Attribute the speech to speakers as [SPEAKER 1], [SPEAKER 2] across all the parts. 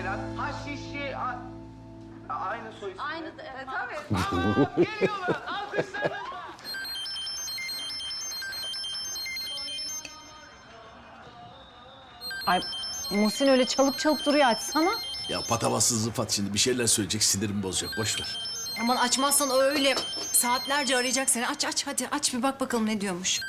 [SPEAKER 1] Taylan. Ha Şişi. Aynı soy ismi.
[SPEAKER 2] Aynı, tabii.
[SPEAKER 1] Ama geliyorlar. Alkışlarınızla.
[SPEAKER 3] Ay Muhsin öyle çalıp çalıp duruyor, açsana.
[SPEAKER 4] Ya patavatsız Rıfat şimdi bir şeyler söyleyecek, sinirimi bozacak. Boş ver.
[SPEAKER 5] Aman açmazsan o öyle saatlerce arayacak seni. Aç aç hadi aç bir bak bakalım ne diyormuş.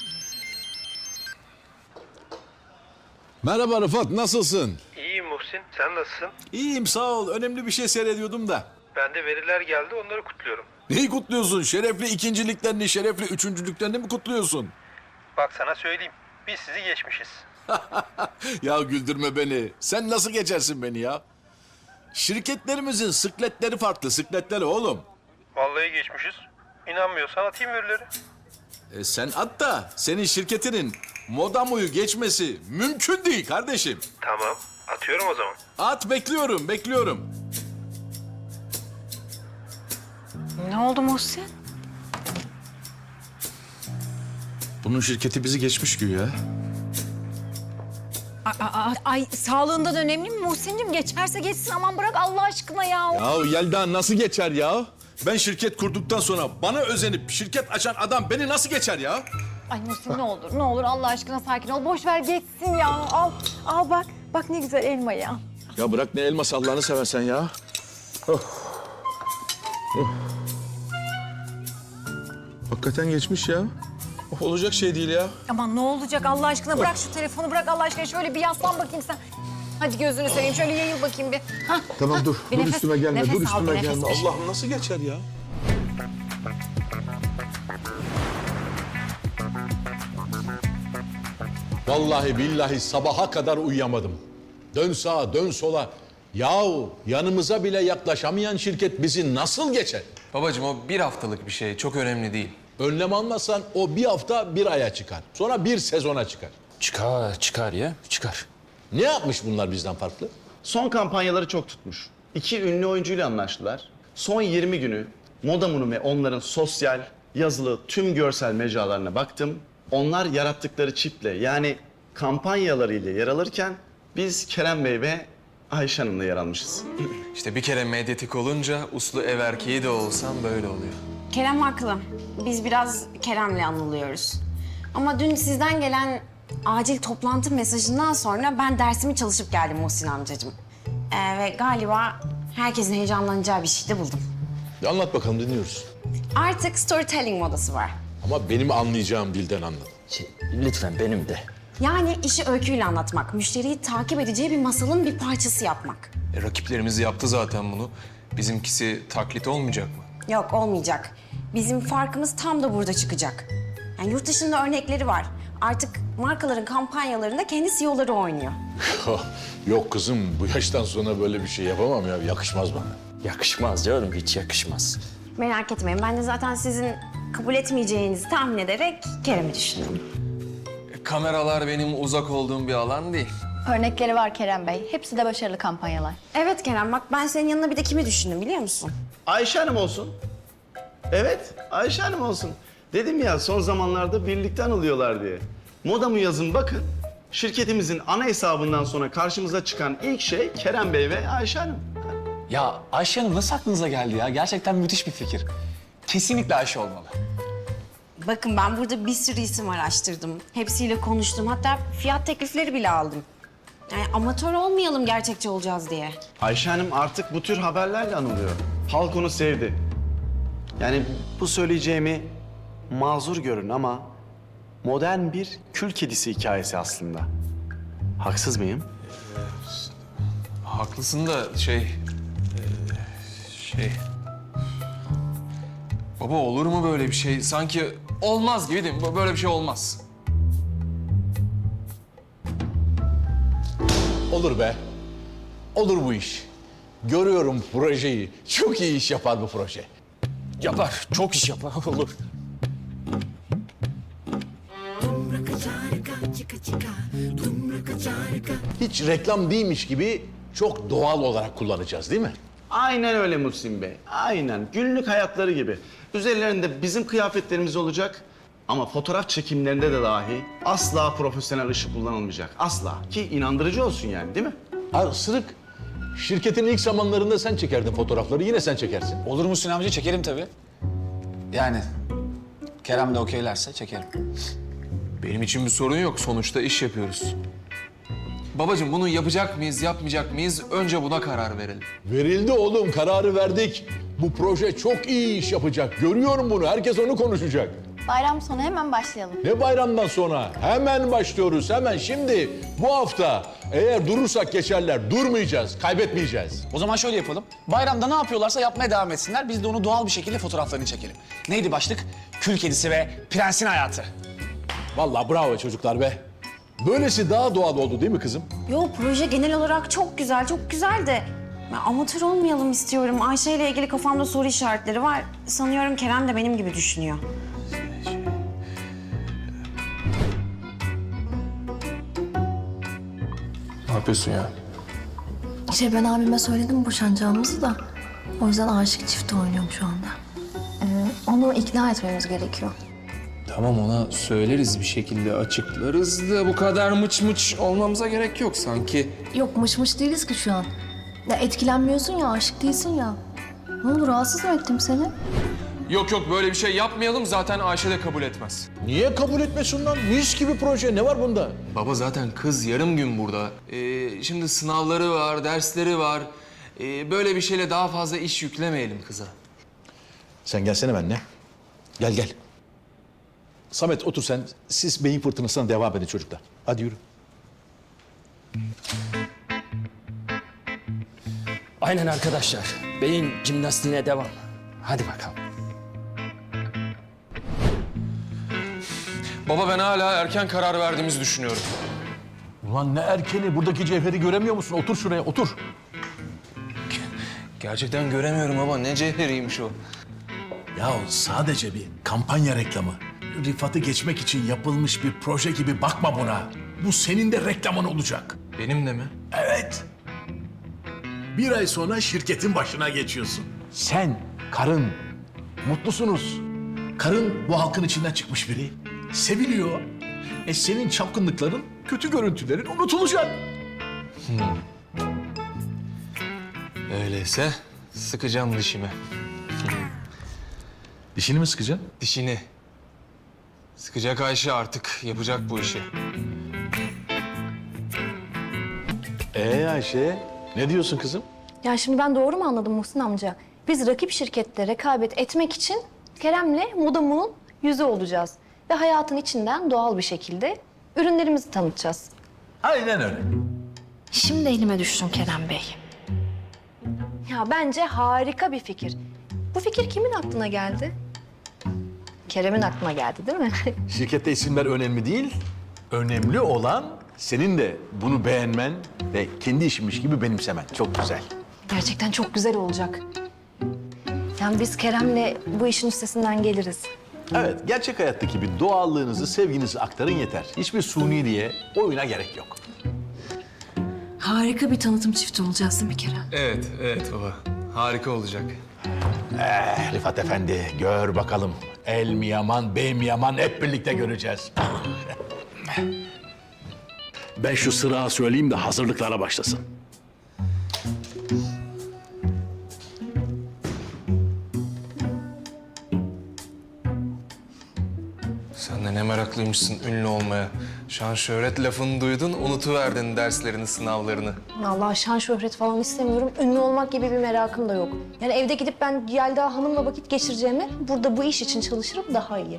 [SPEAKER 4] Merhaba Rıfat, nasılsın?
[SPEAKER 6] İyiyim Muhsin, sen nasılsın?
[SPEAKER 4] İyiyim, sağ ol. Önemli bir şey seyrediyordum da.
[SPEAKER 6] Ben de veriler geldi, onları kutluyorum.
[SPEAKER 4] Neyi kutluyorsun? Şerefli ikinciliklerini, şerefli üçüncülüklerini mi kutluyorsun?
[SPEAKER 6] Bak sana söyleyeyim, biz sizi geçmişiz.
[SPEAKER 4] Ya güldürme beni. Sen nasıl geçersin beni ya? Şirketlerimizin sıkletleri farklı, sıkletleri oğlum.
[SPEAKER 6] Vallahi geçmişiz. İnanmıyorsan atayım verileri.
[SPEAKER 4] Sen at da senin şirketinin Modamu'yu geçmesi mümkün değil kardeşim.
[SPEAKER 6] Tamam, atıyorum o zaman.
[SPEAKER 4] At, bekliyorum, bekliyorum.
[SPEAKER 3] Ne oldu Muhsin?
[SPEAKER 4] Bunun şirketi bizi geçmiş güya.
[SPEAKER 3] Ay sağlığından önemli mi Muhsin'cim? Geçerse geçsin, aman bırak Allah aşkına ya.
[SPEAKER 4] Ya Yelda nasıl geçer ya? Ben şirket kurduktan sonra bana özenip şirket açan adam beni nasıl geçer ya?
[SPEAKER 3] Ay Muhsin ne olur Allah aşkına sakin ol. Boş ver geçsin ya. Al bak. Bak ne güzel elma ya.
[SPEAKER 4] Ya bırak ne elması Allah'ını seversen ya. Hakikaten geçmiş ya. Olacak şey değil ya.
[SPEAKER 3] Aman ne olacak Allah aşkına, bırak şu telefonu, bırak Allah aşkına. Şöyle bir yaslan bakayım sen. Hadi gözünü seveyim, şöyle yayıl bakayım bir. Hah,
[SPEAKER 4] Tamam dur.
[SPEAKER 3] Bir
[SPEAKER 4] Dur
[SPEAKER 3] nefes-
[SPEAKER 4] üstüme gelme.
[SPEAKER 3] nefes
[SPEAKER 4] Dur
[SPEAKER 3] al,
[SPEAKER 4] üstüme
[SPEAKER 3] bir nefes
[SPEAKER 4] gelme.
[SPEAKER 3] ver.
[SPEAKER 4] Allah'ım nasıl geçer ya?
[SPEAKER 7] Vallahi billahi sabaha kadar uyuyamadım. Dön sağa, dön sola. Yahu yanımıza bile yaklaşamayan şirket bizi nasıl geçer?
[SPEAKER 8] Babacığım o bir haftalık bir şey, çok önemli değil.
[SPEAKER 7] Önlem almazsan o bir hafta bir aya çıkar. Sonra bir sezona çıkar.
[SPEAKER 8] Çıkar ya, çıkar.
[SPEAKER 7] Ne yapmış bunlar bizden farklı?
[SPEAKER 9] Son kampanyaları çok tutmuş. 2 ünlü oyuncuyla anlaştılar. Son 20 günü Modamu'nun ve onların sosyal, yazılı tüm görsel mecralarına baktım. Onlar yarattıkları çiftle yani kampanyalarıyla yer alırken biz Kerem Bey ve Ayşe Hanım'la yer almışız.
[SPEAKER 8] İşte bir kere medyatik olunca uslu ev erkeği de olsam böyle oluyor.
[SPEAKER 2] Kerem haklı. Biz biraz Kerem'le anılıyoruz. Ama dün sizden gelen acil toplantı mesajından sonra ben dersimi çalışıp geldim Muhsin amcacığım. Ve galiba herkesin heyecanlanacağı bir şey de buldum.
[SPEAKER 7] Anlat bakalım dinliyoruz.
[SPEAKER 2] Artık storytelling modası var.
[SPEAKER 7] Ama benim anlayacağım dilden anlat.
[SPEAKER 1] Lütfen benim de.
[SPEAKER 2] Yani işi öyküyle anlatmak, müşteriyi takip edeceği bir masalın bir parçası yapmak.
[SPEAKER 8] Rakiplerimiz yaptı zaten bunu. Bizimkisi taklit olmayacak mı?
[SPEAKER 2] Yok olmayacak. Bizim farkımız tam da burada çıkacak. Yani yurt dışında örnekleri var. Artık markaların kampanyalarında kendi CEO'ları oynuyor.
[SPEAKER 7] Yok kızım bu yaştan sonra böyle bir şey yapamam ya. Yakışmaz bana.
[SPEAKER 1] Yakışmaz canım, hiç yakışmaz.
[SPEAKER 2] Merak etmeyin, ben de zaten sizin kabul etmeyeceğinizi tahmin ederek Kerem'i düşündüm.
[SPEAKER 8] Kameralar benim uzak olduğum bir alan değil.
[SPEAKER 10] Örnekleri var Kerem Bey. Hepsi de başarılı kampanyalar.
[SPEAKER 2] Evet Kerem, bak ben senin yanına bir de kimi düşündüm biliyor musun?
[SPEAKER 9] Ayşe Hanım olsun. Evet, Ayşe Hanım olsun. Dedim ya son zamanlarda birlikte anılıyorlar diye. Modamu yazın bakın. Şirketimizin ana hesabından sonra karşımıza çıkan ilk şey Kerem Bey ve Ayşe Hanım.
[SPEAKER 11] Ya Ayşe Hanım nasıl aklınıza geldi ya? Gerçekten müthiş bir fikir. Kesinlikle Ayşe olmalı.
[SPEAKER 2] Bakın ben burada bir sürü isim araştırdım. Hepsiyle konuştum. Hatta fiyat teklifleri bile aldım. Yani amatör olmayalım gerçekçi olacağız diye.
[SPEAKER 9] Ayşe Hanım artık bu tür haberlerle anılıyor. Halk onu sevdi. Yani bu söyleyeceğimi mazur görün ama modern bir kül kedisi hikayesi aslında. Haksız mıyım?
[SPEAKER 8] Haklısın da Baba olur mu böyle bir şey? Sanki olmaz gibi değil mi? Böyle bir şey olmaz.
[SPEAKER 7] Olur be. Olur bu iş. Görüyorum projeyi. Çok iyi iş yapar bu proje.
[SPEAKER 11] Yapar, çok iş yapar. Olur.
[SPEAKER 7] Hiç reklam değilmiş gibi çok doğal olarak kullanacağız değil mi?
[SPEAKER 9] Aynen öyle Muhsin Bey. Aynen. Günlük hayatları gibi. Üzerlerinde bizim kıyafetlerimiz olacak. Ama fotoğraf çekimlerinde de dahi asla profesyonel ışık kullanılmayacak. Asla. Ki inandırıcı olsun yani değil mi?
[SPEAKER 7] Ha, Sırık, Şirketin ilk zamanlarında sen çekerdin fotoğrafları, yine sen çekersin.
[SPEAKER 11] Olur mu Sinan amca? Çekerim tabii. Yani Kerem de okeylerse çekerim.
[SPEAKER 8] Benim için bir sorun yok. Sonuçta iş yapıyoruz. Babacığım bunu yapacak mıyız, yapmayacak mıyız? Önce buna karar verelim.
[SPEAKER 7] Verildi oğlum, kararı verdik. Bu proje çok iyi iş yapacak. Görüyorum bunu, herkes onu konuşacak.
[SPEAKER 10] Bayram sonu hemen başlayalım.
[SPEAKER 7] Ne bayramdan sonra? Hemen başlıyoruz, hemen şimdi. Bu hafta eğer durursak geçerler, durmayacağız, kaybetmeyeceğiz.
[SPEAKER 11] O zaman şöyle yapalım. Bayramda ne yapıyorlarsa yapmaya devam etsinler. Biz de onu doğal bir şekilde fotoğraflarını çekelim. Neydi başlık? Kül kedisi ve prensin hayatı.
[SPEAKER 7] Vallahi bravo çocuklar be. Böylesi daha doğal oldu değil mi kızım?
[SPEAKER 2] Yo, proje genel olarak çok güzel, çok güzel de... Ben amatör olmayalım istiyorum. Ayşe ile ilgili kafamda soru işaretleri var. Sanıyorum Kerem de benim gibi düşünüyor.
[SPEAKER 8] Ne yapıyorsun ya?
[SPEAKER 12] Ben abime söyledim boşanacağımızı da. O yüzden aşık çifti oynuyorum şu anda. Onu ikna etmemiz gerekiyor.
[SPEAKER 8] Tamam ona söyleriz bir şekilde açıklarız da bu kadar mıç mıç olmamıza gerek yok sanki.
[SPEAKER 12] Yok mış değiliz ki şu an. Ya etkilenmiyorsun ya, aşık değilsin ya. Ne olur rahatsız mı ettim seni?
[SPEAKER 8] Yok böyle bir şey yapmayalım zaten Ayşe de kabul etmez.
[SPEAKER 7] Niye kabul etmesin lan? Mis gibi proje, ne var bunda?
[SPEAKER 8] Baba zaten kız yarım gün burada. Şimdi sınavları var, dersleri var. Böyle bir şeyle daha fazla iş yüklemeyelim kıza.
[SPEAKER 7] Sen gelsene benimle. Gel. Samet otur sen. Siz beyin fırtınasına devam edin çocuklar. Hadi yürü.
[SPEAKER 1] Aynen arkadaşlar. Beyin jimnastiğine devam. Hadi bakalım.
[SPEAKER 8] Baba ben hala erken karar verdiğimizi düşünüyorum.
[SPEAKER 7] Ulan ne erkeni, buradaki cevheri göremiyor musun? Otur şuraya, otur.
[SPEAKER 8] Gerçekten göremiyorum baba. Ne cevheriymiş o.
[SPEAKER 4] Ya sadece bir kampanya reklamı. Rıfat'ı geçmek için yapılmış bir proje gibi bakma buna. Bu senin de reklamın olacak.
[SPEAKER 8] Benim de mi?
[SPEAKER 4] Evet. Bir ay sonra şirketin başına geçiyorsun.
[SPEAKER 7] Sen, karın, mutlusunuz.
[SPEAKER 4] Karın bu halkın içinden çıkmış biri. Seviliyor. Senin çapkınlıkların, kötü görüntülerin unutulacak.
[SPEAKER 8] Öyleyse sıkacağım dişimi.
[SPEAKER 4] Dişini mi sıkacaksın?
[SPEAKER 8] Dişini. Sıkacak Ayşe artık. Yapacak bu işi.
[SPEAKER 7] Ayşe, ne diyorsun kızım?
[SPEAKER 12] Ya şimdi ben doğru mu anladım Muhsin amca? Biz rakip şirketle rekabet etmek için Kerem'le Modamu'nun yüzü olacağız. Ve hayatın içinden doğal bir şekilde ürünlerimizi tanıtacağız.
[SPEAKER 4] Aynen öyle.
[SPEAKER 12] Şimdi elime düştün Kerem Bey. Ya bence harika bir fikir. Bu fikir kimin aklına geldi? Kerem'in aklına geldi değil mi?
[SPEAKER 7] Şirkette isimler önemli değil. Önemli olan senin de bunu beğenmen ve kendi işinmiş gibi benimsemen. Çok güzel.
[SPEAKER 12] Gerçekten çok güzel olacak. Yani biz Kerem'le bu işin üstesinden geliriz.
[SPEAKER 7] Evet, gerçek hayattaki bir doğallığınızı, sevginizi aktarın yeter. Hiçbir suniliğe, oyuna gerek yok.
[SPEAKER 12] Harika bir tanıtım çifti olacağız değil mi Kerem?
[SPEAKER 8] Evet baba. Harika olacak.
[SPEAKER 7] Rıfat Efendi, gör bakalım. El mi yaman, bey mi yaman hep birlikte göreceğiz.
[SPEAKER 4] Ben şu sırağı söyleyeyim de hazırlıklara başlasın.
[SPEAKER 8] Sen de ne meraklıymışsın ünlü olmaya. Şan şöhret lafını duydun, unutuverdin derslerini, sınavlarını.
[SPEAKER 12] Vallahi şan şöhret falan istemiyorum. Ünlü olmak gibi bir merakım da yok. Yani evde gidip ben Yelda Hanım'la vakit geçireceğime burada bu iş için çalışırım daha iyi.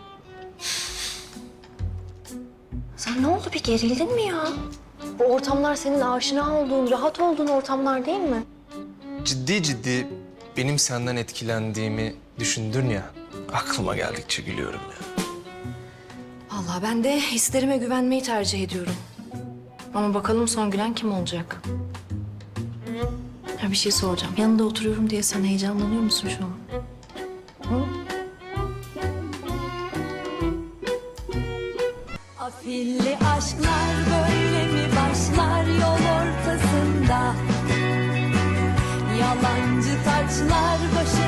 [SPEAKER 12] Sen ne oldu, bir gerildin mi ya? Bu ortamlar senin aşina olduğun, rahat olduğun ortamlar değil mi?
[SPEAKER 8] Ciddi benim senden etkilendiğimi düşündün ya. Aklıma geldikçe gülüyorum ya.
[SPEAKER 12] Vallahi ben de hislerime güvenmeyi tercih ediyorum. Ama bakalım son gülen kim olacak? Ya bir şey soracağım. Yanında oturuyorum diye sen heyecanlanıyor musun şu an? Hı?
[SPEAKER 13] Afilli aşklar böyle mi başlar yol ortasında? Yalancı taçlar başı